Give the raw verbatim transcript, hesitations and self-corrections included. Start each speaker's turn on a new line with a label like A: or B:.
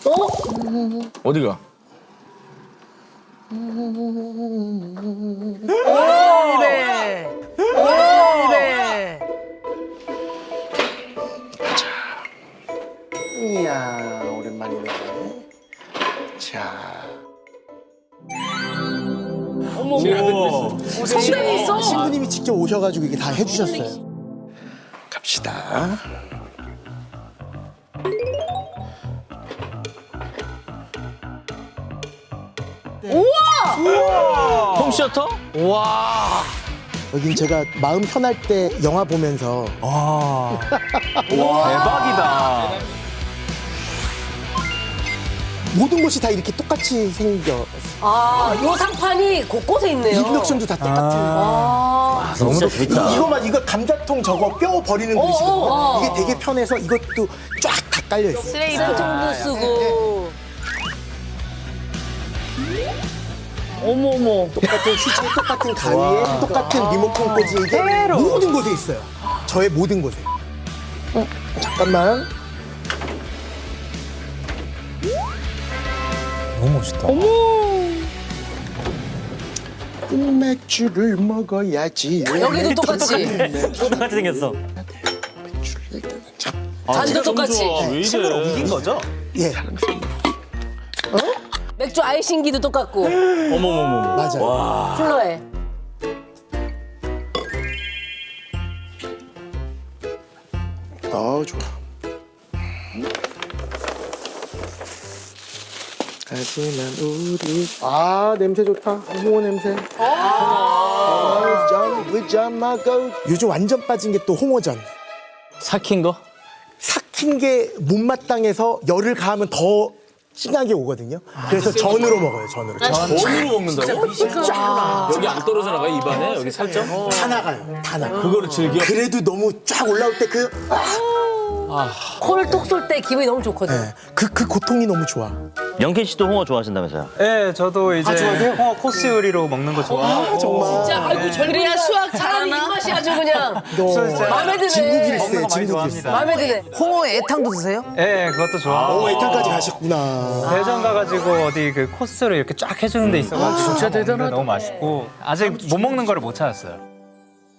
A: 어디가?
B: 네. 오, 네.
C: 이야, 오랜만이네. 자.
B: 어머, 성당이 있어.
C: 신부님이 직접 오셔가지고 이게 다 해주셨어요. 갑시다.
A: 홈시어터?
B: 와.
C: 여긴 제가 마음 편할 때 영화 보면서
A: 대박이다.
C: 모든 곳이 다 이렇게 똑같이 생겨.
B: 아, 요 상판이 곳곳에 있네요.
C: 인덕션도 다 똑같은.
B: 아.
A: 너무 재밌다.
C: 이거만 이거 감자통 저거 뼈 버리는
B: 어,
C: 그릇이거든요.
B: 어.
C: 이게 되게 편해서 이것도 쫙 다 깔려 있어요.
B: 쓰레기통도 쓰고. 어머, 어머.
C: 똑같은 휴지에 똑같은 가위에 똑같은 리모컨 꽂이 이게 모든 곳에 있어요. 저의 모든 곳에. 어, 잠깐만.
D: 너무 멋있다.
C: 맥주를 먹어야지.
B: 여기도 똑같이.
D: 똑같이 생겼어.
B: 잔도 똑같이.
A: 왜 이래?
D: 이긴 거죠?
C: 예,
B: 맥주 아이싱기도 똑같고.
A: 어머머머.
C: 맞아요.
B: 쿨러에.
C: 어, 좋아. 하지만 우리 아 냄새 좋다. 홍어 냄새. 아, 전 부자마고 요즘 완전 빠진 게 또 홍어전.
A: 삭힌 거?
C: 삭힌 게 못마땅해서 열을 가하면 더 진하게 오거든요. 그래서 전으로 먹어요. 전으로. 전.
A: 전으로 먹는다고? 여기 안 떨어져 나가요, 입안에? 여기 살짝?
C: 다 나가요. 다 나가.
A: 그거를 즐겨?
C: 그래도 너무 쫙 올라올 때 그
B: 코를 톡 쏠 때 기분이 너무 좋거든.
C: 네, 그, 그 고통이 너무 좋아.
E: 영케 씨도 홍어 좋아하신다면서요?
D: 네, 저도 이제
C: 아, 좋아하세요?
D: 홍어 코스 요리로 먹는 거 좋아하고.
C: 정말.
B: 진짜, 아이고, 저 그래야 수학 사람이 입맛이 아주 그냥.
C: 너
B: 마음에 드네.
C: 진국일세,
D: 먹는 거 많이
C: 진국일세.
D: 좋아합니다.
B: 마음에 드네.
F: 홍어 애탕도 드세요?
D: 네, 그것도 좋아하고.
C: 오, 애탕까지 가셨구나.
D: 대전 가가지고 어디 그 코스를 이렇게 쫙 해주는 데 있어가지고 진짜 대단하다. 너무 맛있고 아직 못 먹는 거를 못 찾았어요.